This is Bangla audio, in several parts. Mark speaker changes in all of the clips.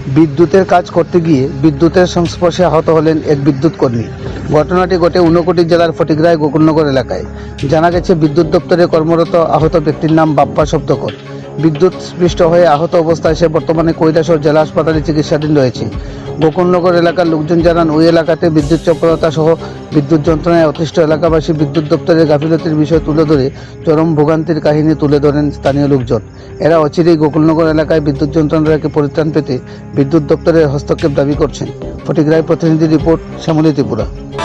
Speaker 1: বিদ্যুতের কাজ করতে গিয়ে বিদ্যুতের সংস্পর্শে আহত হলেন এক বিদ্যুৎ কর্মী। ঘটনাটি ঘটে ঊনকোটি জেলার ফটিকরায় গোকুলনগর এলাকায়। জানা গেছে, বিদ্যুৎ দপ্তরে কর্মরত আহত ব্যক্তির নাম বাপ্পা শব্দকর। বিদ্যুৎ স্পৃষ্ট হয়ে আহত অবস্থায় সে বর্তমানে কৈলাসহর জেলা হাসপাতালে চিকিৎসাধীন রয়েছে। গোকুলনগর এলাকার লোকজন জানান, ওই এলাকাতে বিদ্যুৎ চক্রতা সহ বিদ্যুৎ যন্ত্রণায় অতিষ্ঠ এলাকাবাসী বিদ্যুৎ দপ্তরের গাফিলতির বিষয় তুলে ধরে চরম ভোগান্তির কাহিনী তুলে ধরেন স্থানীয় লোকজন। এরা অচিরেই গোকুলনগর এলাকায় বিদ্যুৎ যন্ত্রণা থেকে পরিত্রাণ পেতে বিদ্যুৎ দপ্তরের হস্তক্ষেপ দাবি করছেন। ফটিকরায় প্রতিনিধি রিপোর্ট, শ্যামলী ত্রিপুরা।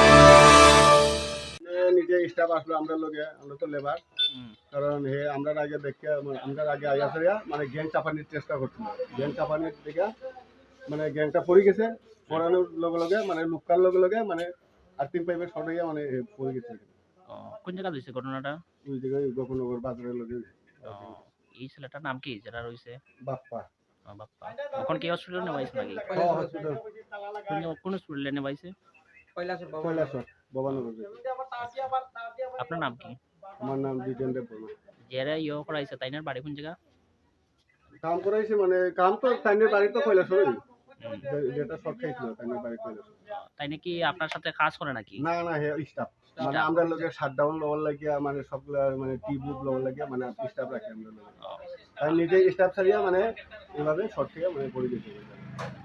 Speaker 2: নিজে স্টাফ আসলো আমরা লোকে, আমরা তো লেবার, কারণ হে আমরা আগে দেখে আমরা আগে আইয়া মানে গ্যাং চাপানির চেষ্টা করছিল। গ্যাং চাপানির দিকে মানে গ্যাংটা পড়ে গেছে, পড়ানোর লগে লগে মানে লুকার লগে লগে মানে আর্থিং পাইপের শর্ট হইয়া মানে পড়ে গেছে।
Speaker 3: কোন জায়গা হইছে ঘটনাটা?
Speaker 2: ওই জায়গায় গোকুলনগর বাজারের লগে।
Speaker 3: এই ছেলেটার নাম কি যেটা রইছে?
Speaker 2: বাপ্পা।
Speaker 3: বাপ্পা। এখন কি হসপিটালে নেওয়াইছে নাকি?
Speaker 2: হসপিটাল।
Speaker 3: কোন হসপিটালে নেওয়াইছে?
Speaker 2: কৈলাসহর ভবানগর।
Speaker 3: আপনার নাম কি?
Speaker 2: আমার নাম জিতেন্দ্র বর্মা।
Speaker 3: যারা করাইছে তাইনার বাড়ি কোন জায়গা?
Speaker 2: কাম করাইছে মানে কাম তো তাইনের বাড়ি তো কৈলাসহরই, যেটা শর্ট খাইছিল তাইনের বাড়ি কৈলাসহর।
Speaker 3: তাই নাকি আপনার সাথে কাজ করে নাকি?
Speaker 2: না না, হে স্টাফ মানে আমরা লোকের শাটডাউন লেভেল লাগিয়া মানে সবগুলা মানে টিউব লেভেল লাগিয়া মানে স্টাফ রাখি আমরা লোক। তাই নিজে স্টাফ ছাড়িয়া মানে এভাবে শর্ট থেকে মানে পড়ে গেছে।